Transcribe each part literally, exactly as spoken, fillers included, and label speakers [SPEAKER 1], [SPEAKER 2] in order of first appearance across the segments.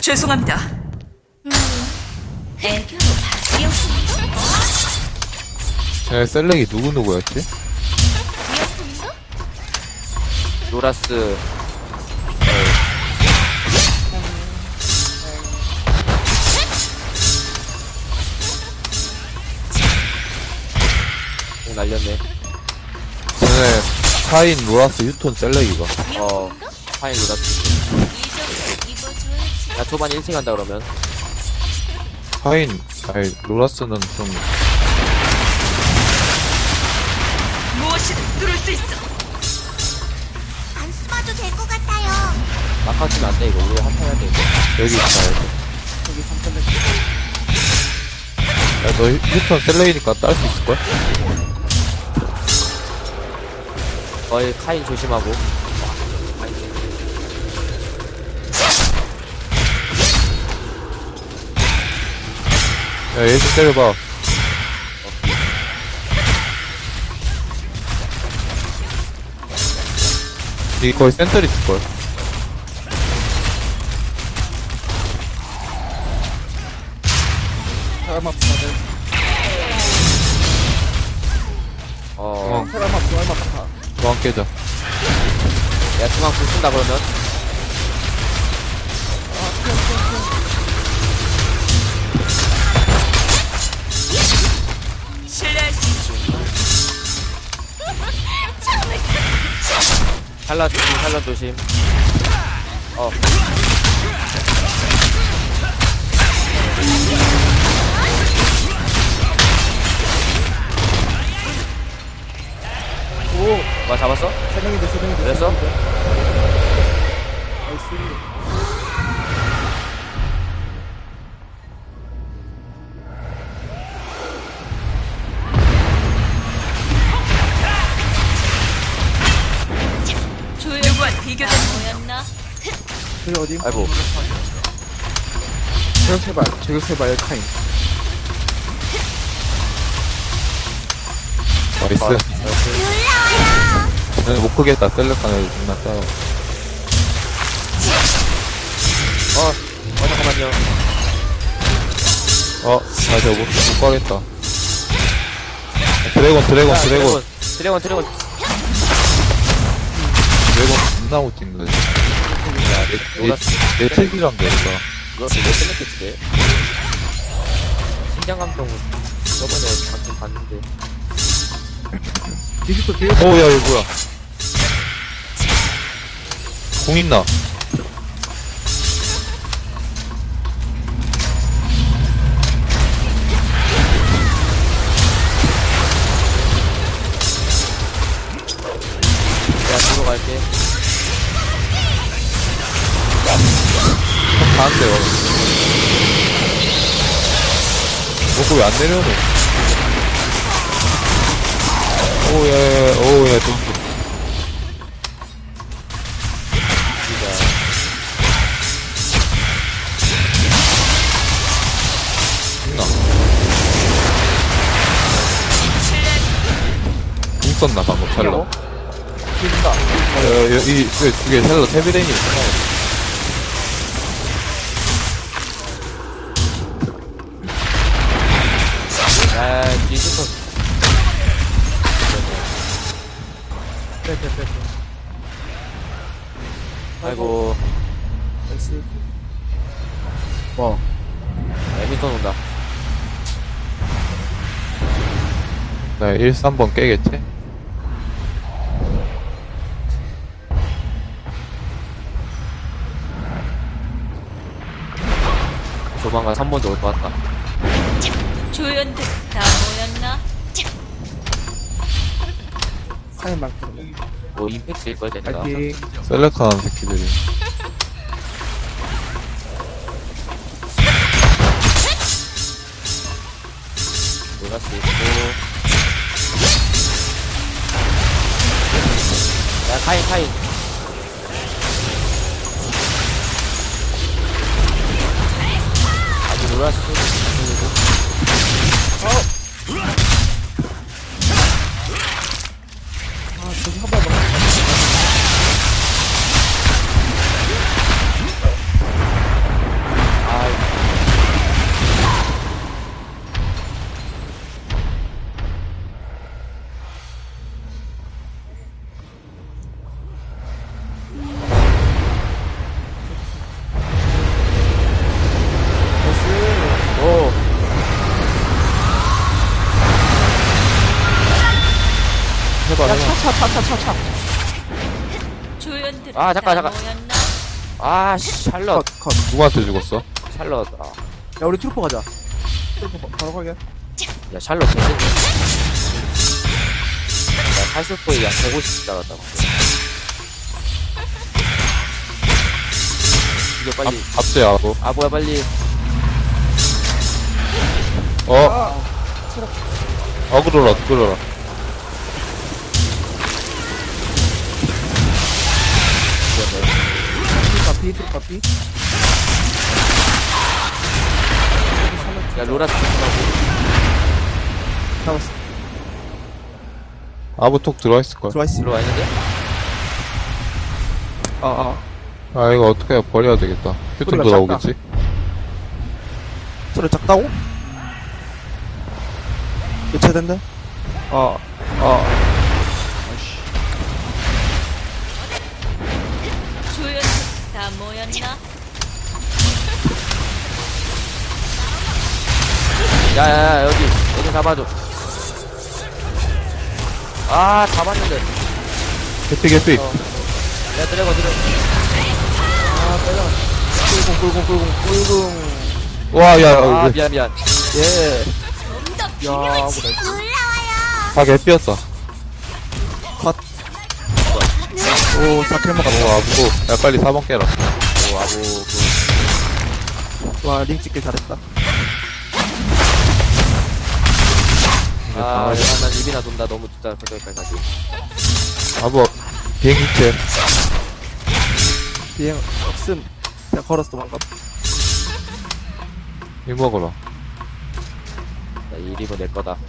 [SPEAKER 1] 죄송합니다.
[SPEAKER 2] 음, 애교로 바뀌었습니다.
[SPEAKER 3] 제 셀렉이 누구누구였지?
[SPEAKER 4] 노라스. 어, 날렸네.
[SPEAKER 3] 전에 카인, 로라스, 휴톤, 셀렉이가.
[SPEAKER 4] 어, 파인 노라스. 야, 초반 일 층 간다, 그러면.
[SPEAKER 3] 카인, 아니, 로라스는 좀,
[SPEAKER 1] 무엇이든 뚫을 수 있어.
[SPEAKER 2] 안 숨어도 될 것 같아요.
[SPEAKER 4] 막판 치면 안 돼, 이거. 우리 한판 해야 돼, 이거.
[SPEAKER 3] 여기 있다, 여기.
[SPEAKER 4] 여기 삼 점
[SPEAKER 3] 야, 너 휴- 휴톤 셀렉이니까 딸 수 있을걸?
[SPEAKER 4] 어이, 카인 조심하고.
[SPEAKER 3] 야, 얘 좀 때려봐. 이 거의 센터 있을걸.
[SPEAKER 5] 사람 앞 다들.
[SPEAKER 4] 어,
[SPEAKER 3] 어,
[SPEAKER 5] 사람 앞, 사람 앞 다.
[SPEAKER 3] 도망 깨자.
[SPEAKER 4] 야, 중앙 불 쓴다, 그러면.
[SPEAKER 1] 신뢰할 수 있어.
[SPEAKER 4] 살라 조심, 살라 조심. 어.
[SPEAKER 5] 오,
[SPEAKER 4] 뭐 잡았어?
[SPEAKER 5] 세 명인데, 세 명인데.
[SPEAKER 4] 그랬어?
[SPEAKER 5] 나이스.
[SPEAKER 1] 누구와 비교된
[SPEAKER 2] 뭐였나?
[SPEAKER 5] 저기 어디?
[SPEAKER 4] 아이고.
[SPEAKER 5] 저격해봐, 저격해봐, 엘카인.
[SPEAKER 3] 나이스.
[SPEAKER 2] 놀라워요.
[SPEAKER 3] 네, 못 크겠다. 셀렉 하나 존나 싸워.
[SPEAKER 4] 어, 어, 잠깐만요.
[SPEAKER 3] 어, 나 저거 못, 못 가겠다. 드래곤, 드래곤,
[SPEAKER 4] 야,
[SPEAKER 3] 드래곤.
[SPEAKER 4] 드래곤, 드래곤.
[SPEAKER 3] 드래곤 존나 못 찍는 거지.
[SPEAKER 4] 야, 내,
[SPEAKER 3] 얘,
[SPEAKER 4] 노라스.
[SPEAKER 3] 얘 책이랑 되니까.
[SPEAKER 4] 이거 되게 끝냈겠지, 내. 신장감동 저번에 방금 봤는데.
[SPEAKER 5] 디지털 뒤에
[SPEAKER 3] 오, 야, 이거 뭐야. 공 있나?
[SPEAKER 4] 내가 뒤로 갈게.
[SPEAKER 3] 형 가는데, 와. 어, 그왜 안 내려오노? 오, 야, 야, 야, 오, 야, 좀, 있나? 공 썼나, 방금, 샬러.
[SPEAKER 5] 뒤진다.
[SPEAKER 3] 야, 야, 야, 이, 그, 그게 샬러 테비레인이 있구나.
[SPEAKER 4] 야, 뒤 슈터.
[SPEAKER 5] 빼, 빼, 빼, 빼.
[SPEAKER 4] 아이고,
[SPEAKER 5] 나이스. 와.
[SPEAKER 4] 에미턴 온다.
[SPEAKER 3] 나 일, 삼 번 깨겠지?
[SPEAKER 4] 조만간 삼 번도 올 것 같다.
[SPEAKER 2] 조연들 다 모였나?
[SPEAKER 5] 카인 많거든.
[SPEAKER 4] 뭐, 임팩트일 거야, 내가.
[SPEAKER 5] 파이팅.
[SPEAKER 3] 셀렉하는 새끼들이.
[SPEAKER 4] 노라스 있고. 야, 카인, 카인. 아직 노라스 쏘고.
[SPEAKER 5] 아, 저기 한 발만. 차차차차차차.
[SPEAKER 2] 조연들
[SPEAKER 4] 아, 잠깐,
[SPEAKER 2] 다
[SPEAKER 4] 잠깐.
[SPEAKER 2] 모였나?
[SPEAKER 4] 아, 씨, 샬럿.
[SPEAKER 5] 컷, 컷.
[SPEAKER 3] 누구한테 죽었어?
[SPEAKER 4] 샬럿. 아,
[SPEAKER 5] 야, 우리 트루퍼 가자. 트루퍼 바- 바로 가게.
[SPEAKER 4] 야, 샬럿 개새끼. 나 팔십포에 약 백오십 줄 알았다. 이거 빨리.
[SPEAKER 3] 갑자기 하고.
[SPEAKER 4] 아, 뭐야, 빨리.
[SPEAKER 3] 어? 어그로라, 어그로라.
[SPEAKER 5] 트루퍼 피, 트루퍼 피.
[SPEAKER 4] 야, 로라 죽는다고.
[SPEAKER 5] 잡았어.
[SPEAKER 3] 아부톡 들어와있을걸.
[SPEAKER 5] 들어와있어.
[SPEAKER 4] 들어와 있는데?
[SPEAKER 5] 아, 아.
[SPEAKER 3] 아, 이거 어떻게 버려야 되겠다. 휴톤
[SPEAKER 5] 소리가
[SPEAKER 3] 돌아오겠지?
[SPEAKER 5] 소리 작다고? 교체된대? 어, 어. 아이씨.
[SPEAKER 2] 조연들 다 모였나?
[SPEAKER 4] 야, 야, 야, 여기. 여기 잡아줘. 아, 잡았는데.
[SPEAKER 3] 개피, 개피.
[SPEAKER 4] 어. 야, 드래곤, 드래곤.
[SPEAKER 5] 아, 빼자. 꿀궁, 꿀궁, 꿀궁, 꿀궁.
[SPEAKER 3] 와, 야,
[SPEAKER 4] 아,
[SPEAKER 3] 아,
[SPEAKER 4] 미안, 미안.
[SPEAKER 5] 예.
[SPEAKER 2] 좀더
[SPEAKER 5] 야,
[SPEAKER 2] 필요한
[SPEAKER 5] 뭐래.
[SPEAKER 2] 시간 올라와요.
[SPEAKER 3] 다 개피였다.
[SPEAKER 5] 컷. 오, 사킬 먹었다.
[SPEAKER 3] 오, 아부고. 야, 빨리 사 번 깨라.
[SPEAKER 4] 오, 아부, 그.
[SPEAKER 5] 와, 링 찍길 잘했다.
[SPEAKER 3] 이제
[SPEAKER 4] 아,
[SPEAKER 3] 강아지.
[SPEAKER 4] 야, 난 입이나 돈다. 너무 진짜 거절까지 가지.
[SPEAKER 3] 아부, 비행기 채.
[SPEAKER 5] 비행, 없음. 그냥 걸었어, 방금.
[SPEAKER 3] 이 먹어라.
[SPEAKER 4] 야, 이 리브 내 거다.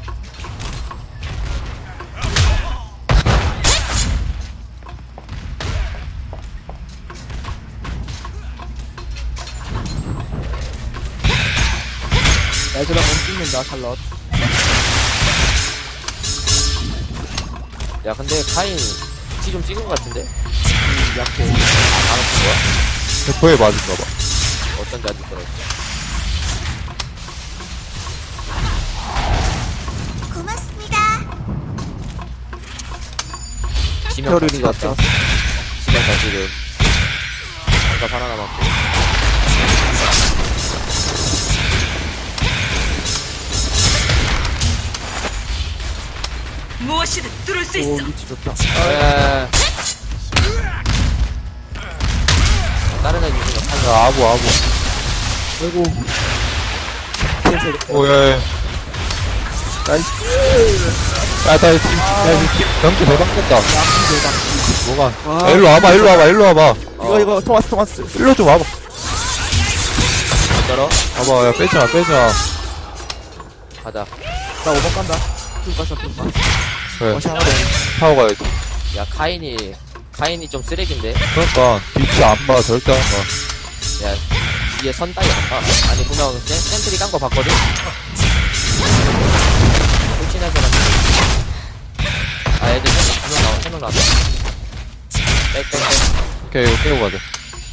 [SPEAKER 5] 애들아, 몸 찍는다, 샬럿.
[SPEAKER 4] 야, 근데 카인 피 좀 찍은 것 같은데?
[SPEAKER 5] 음, 약해.
[SPEAKER 4] 안 아픈 거야?
[SPEAKER 3] 대포에 맞은가봐.
[SPEAKER 4] 어쩐지 아직 그래.
[SPEAKER 2] 고맙습니다.
[SPEAKER 4] 지명
[SPEAKER 5] 페어리링
[SPEAKER 4] 같이
[SPEAKER 5] 같죠?
[SPEAKER 4] 갔다. 지명 다 지금. 장갑 하나 남았고.
[SPEAKER 2] 무엇이든 뚫을 수
[SPEAKER 5] 오,
[SPEAKER 2] 있어.
[SPEAKER 5] 위치 좋다.
[SPEAKER 4] 에. 다른 애 유저가 팔
[SPEAKER 3] 야, 아부, 아부.
[SPEAKER 5] 아이고.
[SPEAKER 3] 오, 야, 야.
[SPEAKER 5] 나이스.
[SPEAKER 3] 야, 나 지금, 야, 지금 경기 대박됐다. 뭐가?
[SPEAKER 5] 와.
[SPEAKER 3] 야, 일로 와봐, 일로 와봐, 일로 와봐.
[SPEAKER 5] 이거, 이거, 토마스, 토마스.
[SPEAKER 3] 일로 좀 와봐.
[SPEAKER 4] 떨어?
[SPEAKER 3] 봐봐, 야, 빼지 마, 빼지 마.
[SPEAKER 4] 가자.
[SPEAKER 5] 나 오 번 간다. 쭉 갔어, 쭉 갔어.
[SPEAKER 3] 그래,
[SPEAKER 5] 어시 하나 돼.
[SPEAKER 3] 타고 가야지.
[SPEAKER 4] 야, 카인이, 카인이 좀 쓰레기인데?
[SPEAKER 3] 그러니까, 뒤치 안 봐, 절대 안 봐.
[SPEAKER 4] 야, 뒤에 선 따위 안 봐. 아니, 분명 센, 센트리 깐 거 봤거든? 홀친한 사람. 아, 애들 세 명 나와, 세명 나왔다. 백, 백, 백.
[SPEAKER 3] 오케이, 이거 깨고 가자.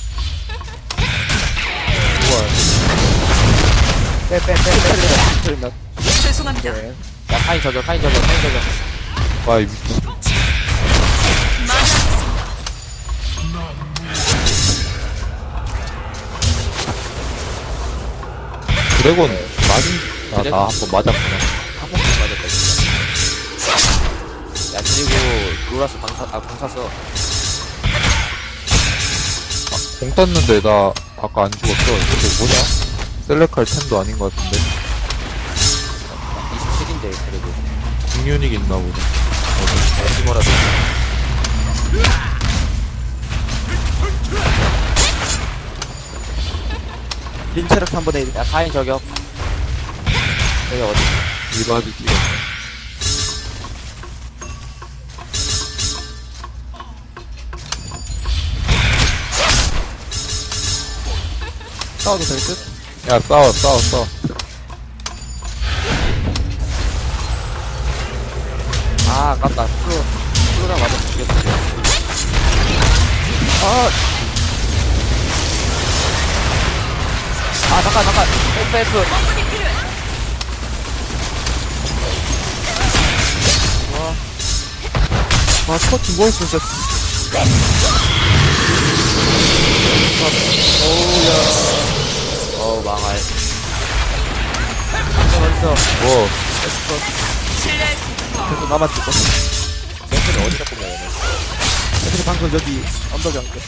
[SPEAKER 5] 빼, 빼, 빼, 빼, 빼. 빼.
[SPEAKER 2] 죄송합니다.
[SPEAKER 5] 네.
[SPEAKER 4] 야, 카인 저격, 카인 저격, 카인 저격.
[SPEAKER 3] 와, 이 미친.
[SPEAKER 2] 만나겠습니다.
[SPEAKER 3] 드래곤, 맞은, 아,
[SPEAKER 4] 드래곤?
[SPEAKER 3] 나 한 번 맞았구나.
[SPEAKER 4] 한 번도 맞았다, 진짜. 야, 그리고, 로라스 방사, 아, 공 찼어.
[SPEAKER 3] 공 땄는데, 나, 아까 안 죽었어. 이게 뭐냐? 셀렉할 템도 아닌 것 같은데.
[SPEAKER 4] 이십칠인데, 그래도.
[SPEAKER 3] 중유닉 있나 보네.
[SPEAKER 4] 어디 뭐라도.
[SPEAKER 5] 린 체력 한번 해.
[SPEAKER 4] 야, 카인 저격. 여기 어디?
[SPEAKER 3] 이바지 찍어.
[SPEAKER 5] 싸워도 될 듯?
[SPEAKER 3] 야, 싸워, 싸워, 싸워.
[SPEAKER 4] 아, 아깝다. 플로, 플로랑 맞아 죽였어.
[SPEAKER 5] 아,
[SPEAKER 4] 아, 잠깐, 잠깐. F, F.
[SPEAKER 5] 아, 스쿼트 중거했어, 진짜.
[SPEAKER 4] 어우, 망할. 벌써,
[SPEAKER 3] 뭐,
[SPEAKER 2] 실례할 수 있어.
[SPEAKER 5] 계속 나만 죽고.
[SPEAKER 4] 샘플이 어디다 꼽냐, 얘는.
[SPEAKER 5] 애들이 방금 여기 언덕에 앉게.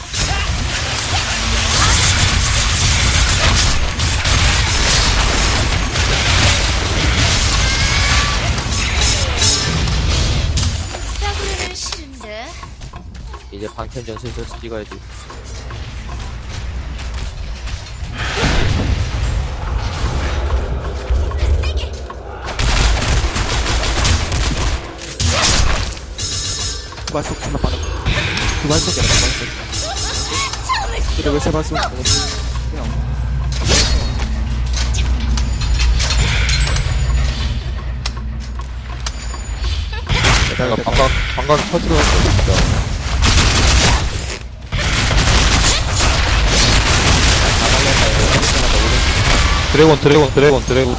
[SPEAKER 2] 싸구려는 싫은데.
[SPEAKER 4] 이제 방탄전 슬슬 찍어야지.
[SPEAKER 5] 두 발속 존나 빠르. 두 발속이야, 두 발속. 그래, 왜 세 발속? 그냥.
[SPEAKER 3] 내가 방각, 방각 터지고 했어, 진짜. 드래곤, 드래곤, 드래곤, 드래곤.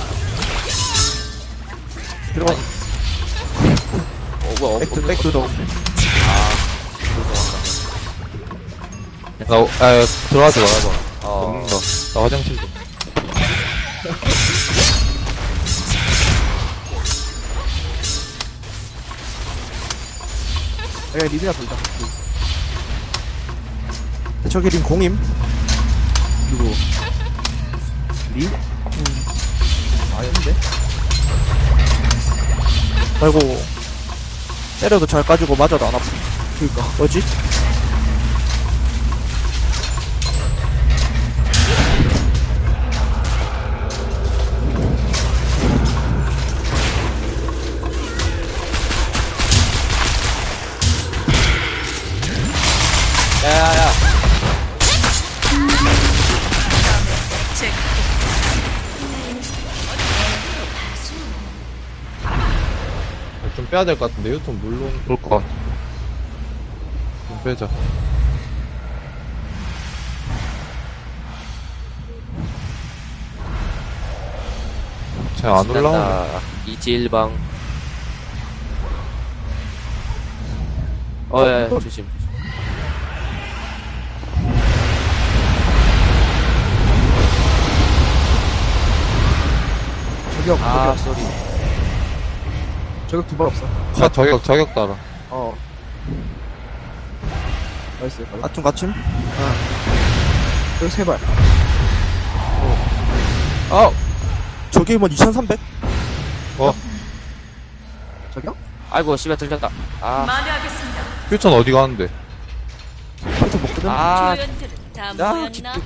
[SPEAKER 5] 들어가.
[SPEAKER 4] 어, 뭐야, 어,
[SPEAKER 5] 백두, 백두도.
[SPEAKER 3] 나, 아, 들어가지 말아봐.
[SPEAKER 4] 어.
[SPEAKER 3] 먹는다. 나 화장실 좀.
[SPEAKER 5] 내가 리드나 돌자. 저기 린 공임. 누구? 리? 음. 아닌데? 아이고. 때려도 잘 까지고 맞아도 안 아프. 그니까. 뭐지?
[SPEAKER 4] 야야야.
[SPEAKER 2] 제
[SPEAKER 3] 좀 빼야 될 것 같은데, 유통 물론. 그럴 것 같아. 좀 빼자. 쟤 안 올라오네.
[SPEAKER 4] 신난다. 이지일방. 어, 야, 야, 조심.
[SPEAKER 5] 저격,
[SPEAKER 4] 아,
[SPEAKER 5] 저격.
[SPEAKER 4] 쏘리.
[SPEAKER 5] 저격 두 발 없어.
[SPEAKER 3] 아, 저격, 저격 따라.
[SPEAKER 5] 어. 나이스. 아tum 갖춤? 아. 여기 세 발. 어. 아! 저기 뭐 이천삼백?
[SPEAKER 3] 어?
[SPEAKER 5] 저기요?
[SPEAKER 4] 아이고, 씨발 들렸다. 아,
[SPEAKER 2] 만회하겠습니다.
[SPEAKER 3] 휴천 어디 가는데?
[SPEAKER 5] 그래서 먹거든?
[SPEAKER 4] 아,
[SPEAKER 2] 조연들은 다
[SPEAKER 5] 야,
[SPEAKER 2] 모였나?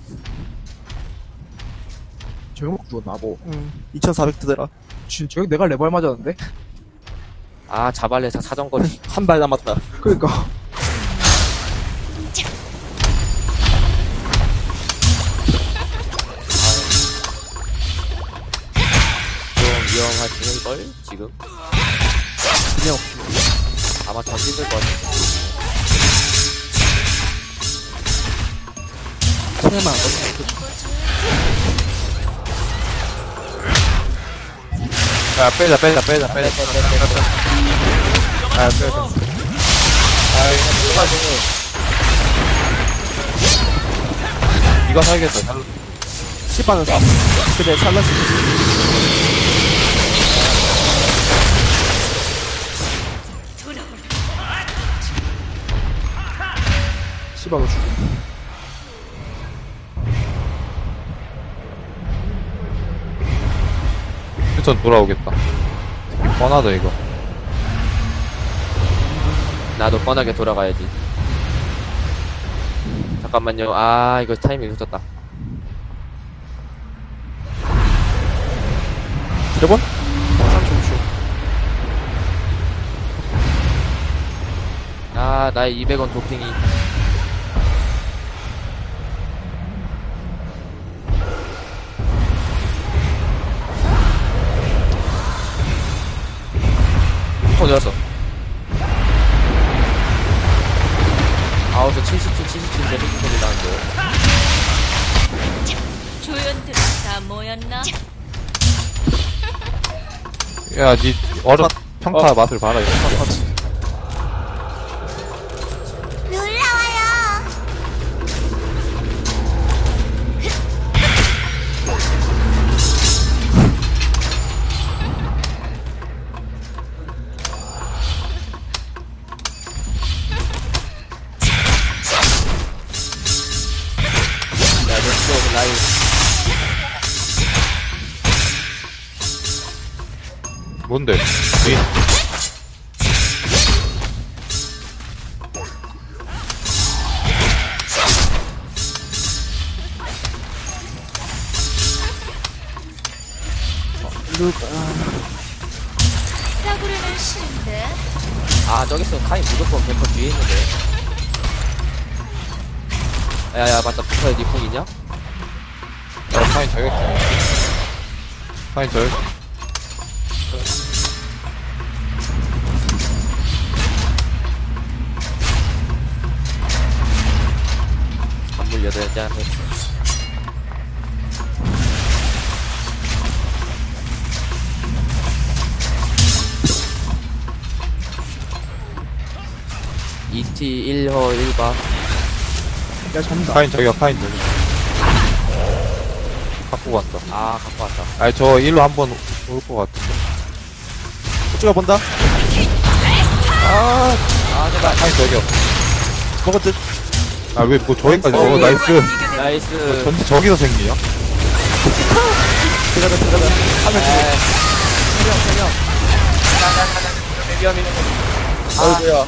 [SPEAKER 1] 저격 먹고 죽었나, 뭐.
[SPEAKER 5] 응. 이천사백 뜨더라.
[SPEAKER 1] 진, 저격 내가 레발 맞았는데?
[SPEAKER 4] 아, 자발레사 사정거리.
[SPEAKER 5] 한 발 남았다.
[SPEAKER 1] 그니까.
[SPEAKER 4] 좀 위험하지는걸, 지금?
[SPEAKER 5] 그냥
[SPEAKER 4] 아마 던지실 것 같아.
[SPEAKER 5] 체만 안 걸려.
[SPEAKER 3] 야, 빼자, 빼자, 빼자, 빼자. 아, 빼자. 아, 이거 살겠다. 살...
[SPEAKER 5] 시바는 사. 그래, 살라스.
[SPEAKER 1] 씨발로 죽어.
[SPEAKER 3] 휴천 돌아오겠다. 뻔하다, 이거.
[SPEAKER 4] 나도 뻔하게 돌아가야지. 잠깐만요. 아, 이거 타이밍 늦었다.
[SPEAKER 5] 드래곤?
[SPEAKER 4] 아, 나의 이백 원 도핑이.
[SPEAKER 3] 어디 갔어?
[SPEAKER 4] 아우서 칠십 칠, 칠십 칠 데미지 소리 나는데.
[SPEAKER 2] 조연들은 다 모였나?
[SPEAKER 3] 야, 니, 얼음, 평타 맛을 봐라, 이거.
[SPEAKER 4] 라인.
[SPEAKER 3] 뭔데? 윈.
[SPEAKER 2] 싸구려는 싫은데.
[SPEAKER 4] 아, 저기 있으면 카인 무조건 백 퍼센트 뒤에 있는데. 야야, 맞다. 부서에 니풍 있냐?
[SPEAKER 3] 어, 파인 저격해. 파인 저격.
[SPEAKER 4] 건물 여덟 장. 이티 일 호 일 바.
[SPEAKER 1] 야, 잡는다.
[SPEAKER 3] 파인 저격, 파인 저격. 갖고 갔다.
[SPEAKER 4] 아, 갖고 왔다.
[SPEAKER 3] 아니, 저 일로 한번 올 것 같은데.
[SPEAKER 5] 찍어본다.
[SPEAKER 3] 아,
[SPEAKER 4] 아, 제발.
[SPEAKER 3] 파인 저격.
[SPEAKER 5] 먹었지?
[SPEAKER 3] 아, 왜, 뭐, 저기까지,
[SPEAKER 4] 어,
[SPEAKER 3] 어, 나이스.
[SPEAKER 4] 나이스.
[SPEAKER 3] 전지 저기서 생기냐?
[SPEAKER 5] 들어가자, 들어가자. 하면 돼.
[SPEAKER 4] 에이. 세명, 세명. 가자, 가자, 가자. 위험해. 아,
[SPEAKER 5] 어이구야.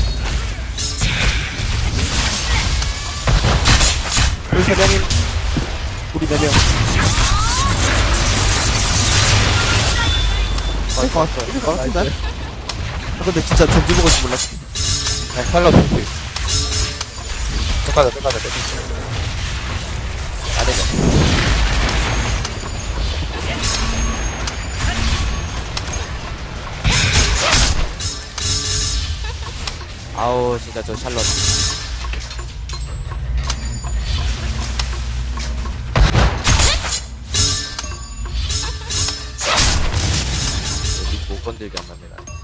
[SPEAKER 5] 우리 세 명인. 우리 네 명.
[SPEAKER 1] 이거 왔어. 이거
[SPEAKER 5] 어,
[SPEAKER 1] 나이스.
[SPEAKER 5] 근데? 아, 근데 진짜 전지 먹을 줄 몰랐어.
[SPEAKER 3] 그냥 살려줄게. 끝까지, 끝까지, 끝까지.
[SPEAKER 4] 안 되죠. 아우, 진짜 저 샬럿. 여기 못 건들게 안 맞네, 나.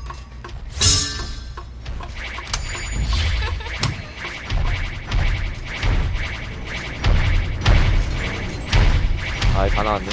[SPEAKER 4] 아, 다 나왔네.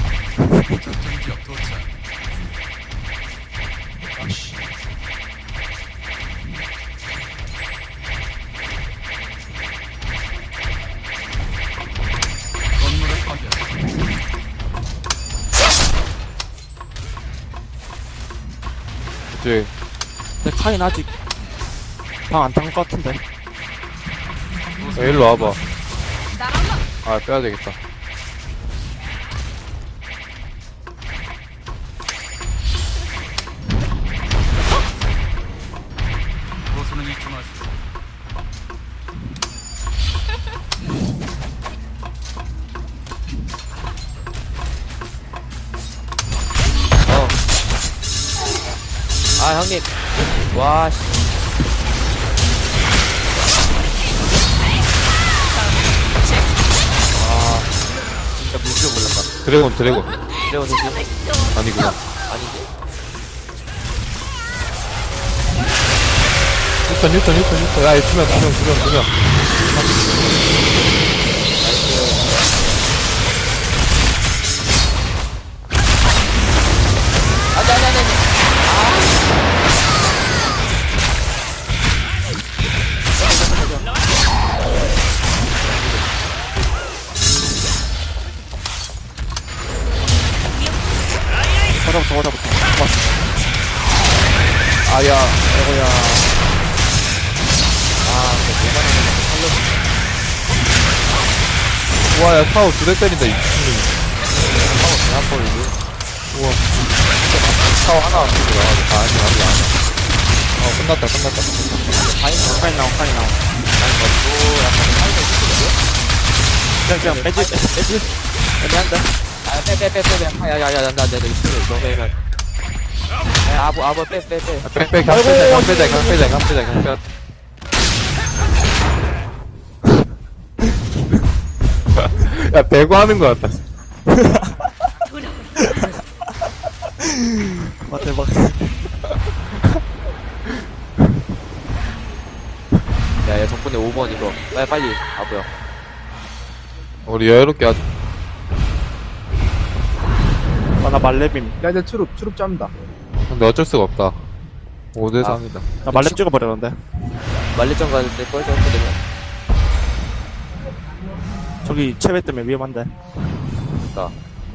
[SPEAKER 3] 이제,
[SPEAKER 5] 근데 카인 아직 방 안 탄 것 같은데.
[SPEAKER 3] 어, 일로 와봐. 아, 빼야 되겠다.
[SPEAKER 4] 어. 아, 형님. 와, 씨. 아, 진짜 물줄 몰랐다.
[SPEAKER 3] 드래곤, 드래곤.
[SPEAKER 4] 드래곤 조심.
[SPEAKER 3] 아니구나.
[SPEAKER 4] 아닌데.
[SPEAKER 3] 휴턴, 휴턴, 휴턴, 휴턴. 야, 두 명, 두 명, 두 명, 두 명.
[SPEAKER 4] 안 돼, 안 돼, 안 돼.
[SPEAKER 5] 거자부터, 거자부터. 왔어.
[SPEAKER 3] 아야, 아이고야.
[SPEAKER 4] 아, 근데 뭐가 나면
[SPEAKER 3] 우와, 야, 타워 두 대 때린다, 이 친구.
[SPEAKER 4] 하고 대한 버리고.
[SPEAKER 3] 우와. 타워 하나 안 쓰고 나가지. 아, 아니, 아니, 아니. 어, 끝났다, 끝났다.
[SPEAKER 4] 파인 거,
[SPEAKER 5] 카인 나오, 카인 나오.
[SPEAKER 4] 파인 거고, 약간 파인거 있거든요?
[SPEAKER 5] 그냥, 그냥 빼지, 빼지, 빼지. 애매한데?
[SPEAKER 4] 아, 빼, 빼, 빼, 빼, 빼. 아, 야, 야, 야, 나, 나, 나, 이거 싫어, 이거 빼면. 야, 아부, 아부, 빼, 빼, 빼.
[SPEAKER 3] 아, 빽, 빽, 강 빼자, 강 빼자, 강 빼자, 강 빼자, 강 빼자. 야, 배구 하는 거 같다.
[SPEAKER 5] 와, 대박.
[SPEAKER 4] 야, 야, 덕분에 오 번 이거. 빨리, 빨리, 아부야.
[SPEAKER 3] 우리 여유롭게 하자.
[SPEAKER 5] 아, 나 말레빔.
[SPEAKER 1] 야, 이제 추룹, 추룹 잡는다.
[SPEAKER 3] 근데 어쩔 수가 없다. 오 대
[SPEAKER 4] 아.
[SPEAKER 3] 삼이다.
[SPEAKER 5] 나 말렙 찍어버렸는데.
[SPEAKER 4] 말리점 가는데 뻘쩍 거리면.
[SPEAKER 5] 저기 체외 때문에 위험한데.
[SPEAKER 4] 나.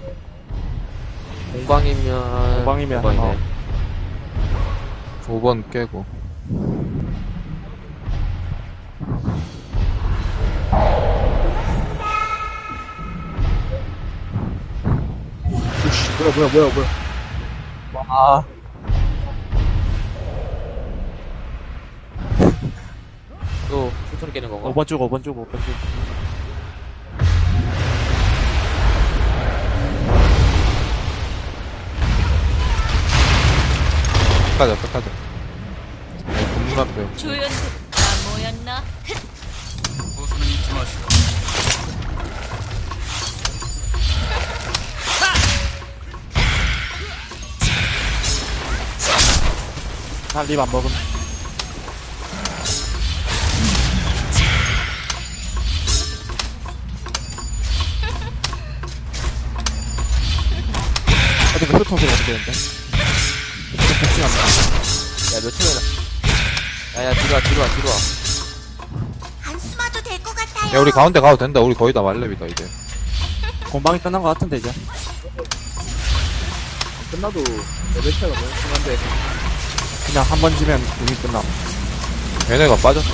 [SPEAKER 4] 공방이면.
[SPEAKER 5] 공방이면,
[SPEAKER 4] 공방이네.
[SPEAKER 5] 어.
[SPEAKER 3] 오 번 깨고.
[SPEAKER 1] 우씨, 뭐야, 뭐야, 뭐야, 뭐야.
[SPEAKER 5] 아.
[SPEAKER 4] 또, 슈터를 깨는 건가?
[SPEAKER 5] 오 번 쭉, 오 번 쭉, 오 번 쭉.
[SPEAKER 3] 끝까지, 끝까지. 건물 앞에.
[SPEAKER 2] 조연들 다 모였나?
[SPEAKER 5] 난립 안 먹음. 어디 그 소통 소리 어떻게 되는데? 복싱 안 나.
[SPEAKER 4] 야, 몇 초면, 야, 야, 뒤로 와, 뒤로 와, 뒤로 와.
[SPEAKER 2] 안 숨어도 될 것 같아요.
[SPEAKER 3] 야, 우리 가운데 가도 된다. 우리 거의 다 말렙이다, 이제.
[SPEAKER 5] 공방이 끝난 것 같은데, 이제.
[SPEAKER 1] 끝나도 레벨 차이가 너무 심한데.
[SPEAKER 5] 그냥 한 번 지면 이미 끝나.
[SPEAKER 3] 얘네가 빠졌다.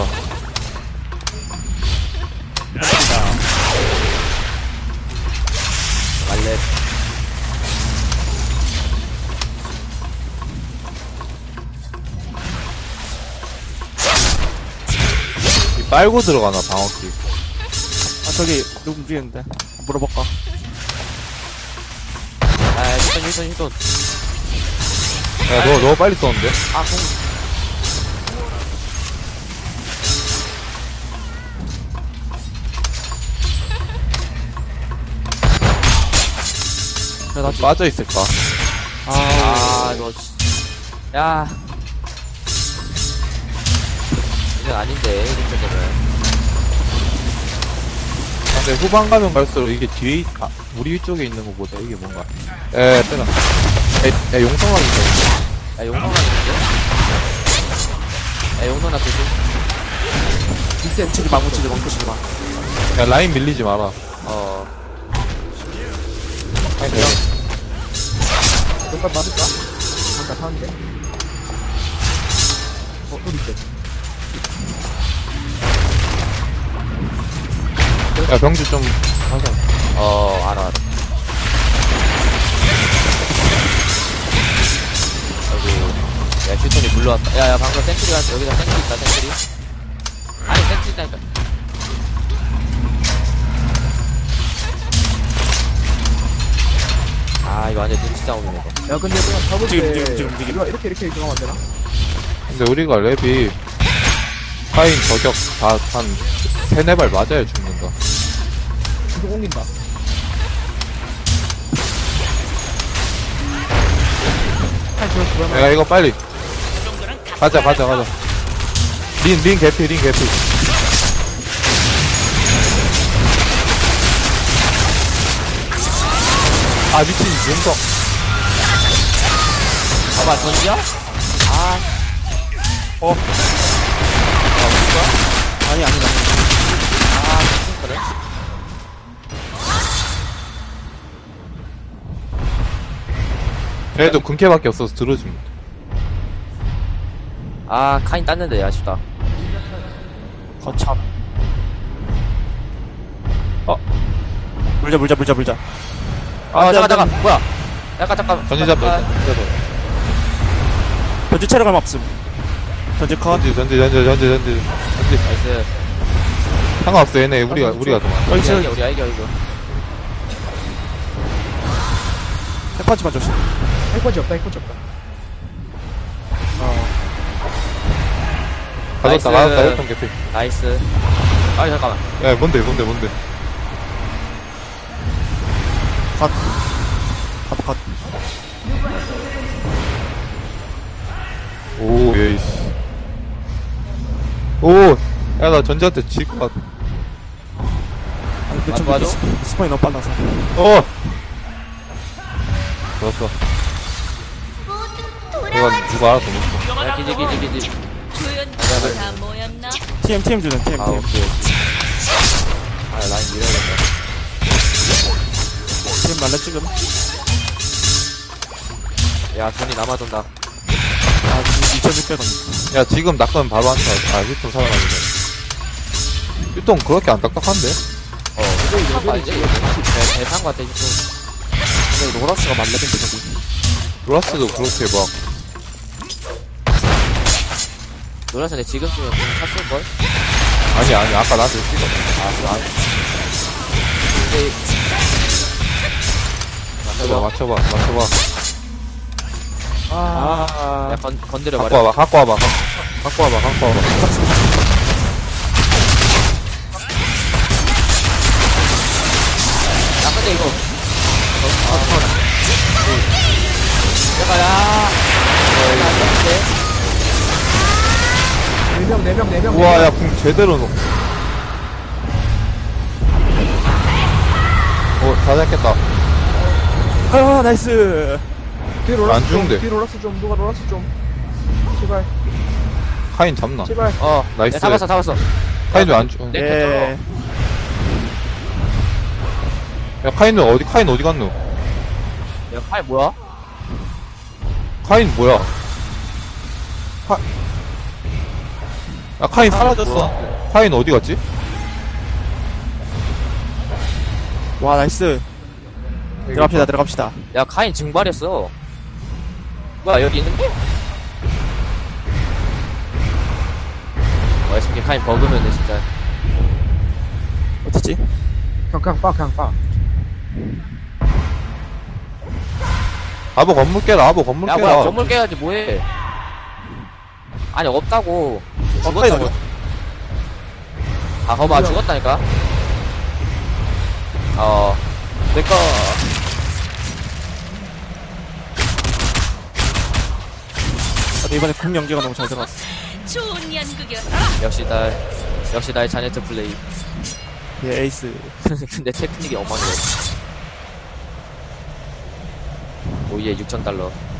[SPEAKER 4] 말렙.
[SPEAKER 3] 이 빨고 들어가나, 방어키.
[SPEAKER 5] 아, 저기, 누구 움직이는데? 물어볼까?
[SPEAKER 4] 야, 야, 휴톤, 휴톤, 휴톤.
[SPEAKER 3] 야, 너, 너 빨리 썼는데?
[SPEAKER 4] 아, 공.
[SPEAKER 5] 그래, 나,
[SPEAKER 3] 빠져있을까?
[SPEAKER 5] 아,
[SPEAKER 4] 아, 너, 씨. 야. 이건 아닌데, 이렇게 되면.
[SPEAKER 3] 근데 후반 가면 갈수록 이게 뒤에, 있- 아, 우리 위쪽에 있는 거보다 이게 뭔가. 에, 빼라. 에, 야, 용성왕이 있다.
[SPEAKER 4] 야, 용성아 있는데? 야, 용성아 조심.
[SPEAKER 5] 일 치지 마, 묻히지 마, 묻히지 마.
[SPEAKER 3] 야, 라인 밀리지 마라.
[SPEAKER 4] 어.
[SPEAKER 3] 아니, 내가.
[SPEAKER 1] 몇발 맞을까? 잠깐 타는데. 어, 소리 있대.
[SPEAKER 3] 야, 병주 좀, 하자.
[SPEAKER 4] 어, 알아, 알아. 아이고. 야, 휴톤이 물러왔다. 야, 야, 방금 센트리 가 여기다 센트리 있다, 센트리. 아니, 센트리 있다니까. 아, 이거 완전 눈치 싸움이네, 이거.
[SPEAKER 1] 야, 근데 그냥 잡을
[SPEAKER 5] 지금,
[SPEAKER 1] 때.
[SPEAKER 5] 지금, 지금, 지금.
[SPEAKER 1] 이거 이렇게, 이렇게 들어가면 안 되나?
[SPEAKER 3] 근데 우리가 랩이, 파인 저격 다 한, 세네 발 맞아야 죽는다.
[SPEAKER 1] 계속 옮긴다. 한 저, 그러면.
[SPEAKER 3] 야, 이거 빨리. 가자, 가자, 가자. 린, 린 개피, 린 개피. 아, 미친, 용성.
[SPEAKER 4] 봐봐, 던져? 아,
[SPEAKER 3] 어,
[SPEAKER 5] 아니, 아니다.
[SPEAKER 4] 아, 그래?
[SPEAKER 3] 걔도 근캐밖에 없어서 들어줍니다.
[SPEAKER 4] 아, 카인 땄는데, 아쉽다.
[SPEAKER 5] 거참.
[SPEAKER 3] 어.
[SPEAKER 5] 물자, 물자, 물자, 물자.
[SPEAKER 4] 아, 잠깐, 잠깐, 뭐야? 잠깐, 잠깐.
[SPEAKER 3] 전지 잡자,
[SPEAKER 4] 잠깐.
[SPEAKER 3] 전지 잡자.
[SPEAKER 5] 전지 체력 얼마 없음. 전지 컷.
[SPEAKER 3] 전지, 전지, 전지, 전지, 전지. 전지.
[SPEAKER 4] 나이스.
[SPEAKER 3] 상관없어, 얘네. 우리가, 우리가 더 많아.
[SPEAKER 4] 우리
[SPEAKER 5] 나이스.
[SPEAKER 4] 이겨, 우리 이겨, 이겨.
[SPEAKER 5] 핵펀치만 조심.
[SPEAKER 1] 핵펀치 없다, 핵펀치 없다.
[SPEAKER 5] 어.
[SPEAKER 3] 가졌다,
[SPEAKER 4] 나이스.
[SPEAKER 3] 가졌다, 했던 개피.
[SPEAKER 4] 나이스. 아, 잠깐만.
[SPEAKER 3] 야, 뭔데, 뭔데, 뭔데.
[SPEAKER 5] 컷. 컷, 컷.
[SPEAKER 3] 오, 예이씨. 오! 야, 나 전지한테 질 것 같아.
[SPEAKER 5] 아니, 그,
[SPEAKER 4] 맞-
[SPEAKER 5] 좀,
[SPEAKER 4] 맞아?
[SPEAKER 5] 스- 스파이 너무 빨라서.
[SPEAKER 3] 어! 좋았어.
[SPEAKER 2] 모두
[SPEAKER 3] 내가
[SPEAKER 2] 돌아와.
[SPEAKER 3] 누가 알아서 먹어.
[SPEAKER 4] 야, 기지, 기지, 기지.
[SPEAKER 2] 조연들 다 모였나?
[SPEAKER 5] 티엠, 티엠 주는, 티엠,
[SPEAKER 4] 아,
[SPEAKER 5] 티엠.
[SPEAKER 4] 오케이. 아, 라인 밀어야겠다.
[SPEAKER 5] 지금 말래 지금.
[SPEAKER 4] 야, 돈이 남아돈다.
[SPEAKER 5] 아, 지금 이천육백 원.
[SPEAKER 3] 야, 지금 낚으면 바로 한타. 아, 휴통 살아나거든. 휴통 그렇게 안 딱딱한데?
[SPEAKER 4] 어, 이거 이거 아니지? 대, 대상 같아, 이거.
[SPEAKER 5] 근데 로라스가 말레인데 저기.
[SPEAKER 3] 로라스도 그렇게 막,
[SPEAKER 4] 노란색 내 지금쯤이면 좀 샀을걸?
[SPEAKER 3] 아니, 아니, 아까 나한테 찍어. 아, 그래, 안.
[SPEAKER 4] 근데,
[SPEAKER 3] 맞춰봐, 맞춰봐, 맞춰봐.
[SPEAKER 1] 아,
[SPEAKER 4] 야, 건, 건드려
[SPEAKER 3] 갖고
[SPEAKER 4] 말이야.
[SPEAKER 3] 와봐, 갖고 와봐, 갖고 갖고 와봐, 갖고 와봐.
[SPEAKER 4] 야, 근데 이거. 아, 내가, 야. 야, 안 되는데?
[SPEAKER 1] 네 명, 네 명, 네 명.
[SPEAKER 3] 우와, 야, 궁 제대로 넣. 어, 다 잡겠다.
[SPEAKER 5] 아, 나이스.
[SPEAKER 1] 뒤에 롤라스
[SPEAKER 3] 안
[SPEAKER 1] 좀,
[SPEAKER 3] 죽는데.
[SPEAKER 1] 뒤에 롤라스 좀, 누가 롤라스 좀. 제발,
[SPEAKER 3] 카인 잡나?
[SPEAKER 1] 제발.
[SPEAKER 4] 어,
[SPEAKER 3] 나이스.
[SPEAKER 4] 야, 잡았어, 잡았어.
[SPEAKER 3] 카인 왜 안 죽?
[SPEAKER 4] 네.
[SPEAKER 5] 예.
[SPEAKER 3] 야, 카인은 어디, 카인 어디 갔노?
[SPEAKER 4] 야, 팔 뭐야?
[SPEAKER 3] 카인 뭐야? 카... 야, 카인 사라졌어.
[SPEAKER 4] 뭐야?
[SPEAKER 3] 카인 어디 갔지?
[SPEAKER 5] 와, 나이스. 들어갑시다, 들어갑시다.
[SPEAKER 4] 야, 카인 증발했어. 뭐야, 여기 있는데? 와, 이 새끼 카인 버그면은 진짜.
[SPEAKER 5] 어딨지?
[SPEAKER 1] 그냥, 그냥 빠, 그냥 빠.
[SPEAKER 3] 아보 건물 깨라, 아보 건물
[SPEAKER 4] 야,
[SPEAKER 3] 깨라.
[SPEAKER 4] 뭐야, 건물 깨야지, 뭐해. 아니, 없다고.
[SPEAKER 5] 가까이
[SPEAKER 4] 죽었다고. 아, 거봐, 죽었다니까? 어, 내꺼.
[SPEAKER 5] 아, 이번에 궁 연계가 너무 잘 들어갔어.
[SPEAKER 2] 좋은 연극이야.
[SPEAKER 4] 역시 나, 역시 나의 자네트 플레이.
[SPEAKER 5] 예, 에이스.
[SPEAKER 4] 근데 테크닉이 엉망이야. 오예, 육천 달러.